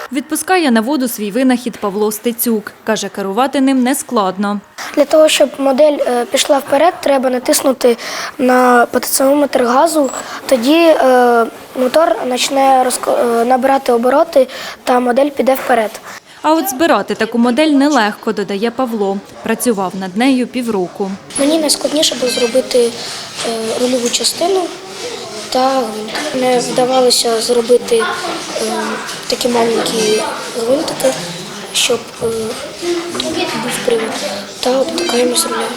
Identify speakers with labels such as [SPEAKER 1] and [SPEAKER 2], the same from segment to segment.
[SPEAKER 1] Відпускає на воду свій винахід Павло Стецюк. Каже, керувати ним нескладно.
[SPEAKER 2] Для того, щоб модель пішла вперед, треба натиснути на потенціометр газу, тоді мотор почне набирати обороти та модель піде вперед.
[SPEAKER 1] А от збирати таку модель нелегко, додає Павло. Працював над нею півроку.
[SPEAKER 2] Мені найскладніше було зробити рульову частину та гвинт. Не вдавалося зробити такі маленькі гвинтики, щоб був привід, та обтикаємо з руля.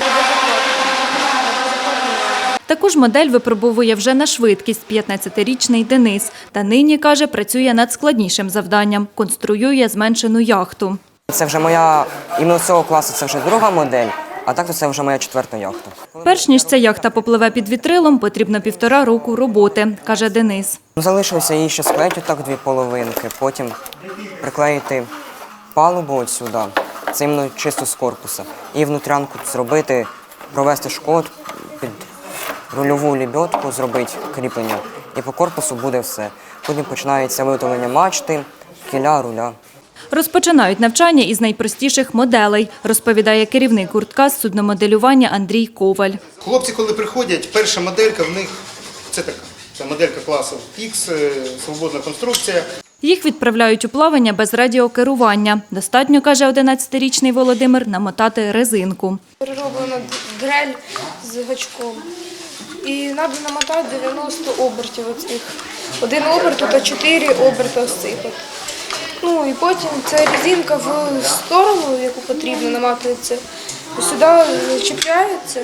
[SPEAKER 1] Таку ж модель випробовує вже на швидкість 15-річний Денис. Та нині, каже, працює над складнішим завданням – конструює зменшену яхту.
[SPEAKER 3] Це вже моя, іменно цього класу, це вже друга модель, а так то це вже моя 4-та яхта.
[SPEAKER 1] Перш ніж ця яхта попливе під вітрилом, потрібно 1,5 року роботи, каже Денис.
[SPEAKER 3] Залишилося її ще склеїти так 2 половинки, потім приклеїти палубу от сюди, це іменно чисто з корпуса, і внутрянку зробити, провести шкод під рульову лебедку, зробити кріплення, і по корпусу буде все. Потім починається виготовлення мачти, кіля, руля.
[SPEAKER 1] Розпочинають навчання із найпростіших моделей, розповідає керівник гуртка з судномоделювання Андрій Коваль.
[SPEAKER 4] Хлопці, коли приходять, перша моделька в них це така. Це моделька класу X, свободна конструкція.
[SPEAKER 1] Їх відправляють у плавання без радіокерування. Достатньо, каже 11-річний Володимир, намотати резинку.
[SPEAKER 5] Перероблена дрель з гачком. І треба намотати 90 обертів оцих. 1 оберт та 4 оберти осипати. Ну і потім ця резинка в сторону, яку потрібно, наматується, сюди чіпляється.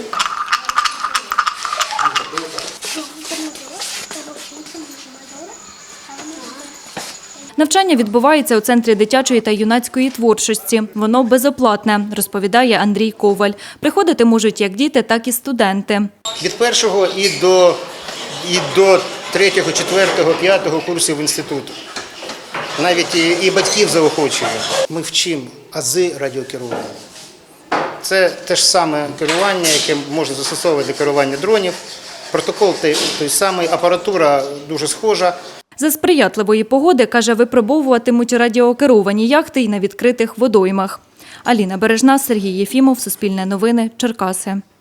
[SPEAKER 1] Навчання відбувається у Центрі дитячої та юнацької творчості. Воно безоплатне, розповідає Андрій Коваль. Приходити можуть як діти, так і студенти.
[SPEAKER 4] Від 1-го і до 3-го, 4-го, 5-го курсів інституту. Навіть і батьків заохочуємо. Ми вчимо ази радіокерування. Це те ж саме керування, яке можна застосовувати для керування дронів. Протокол той самий, апаратура дуже схожа.
[SPEAKER 1] За сприятливої погоди, каже, випробовуватимуть радіокеровані яхти й на відкритих водоймах. Аліна Бережна, Сергій Єфімов, Суспільне новини, Черкаси.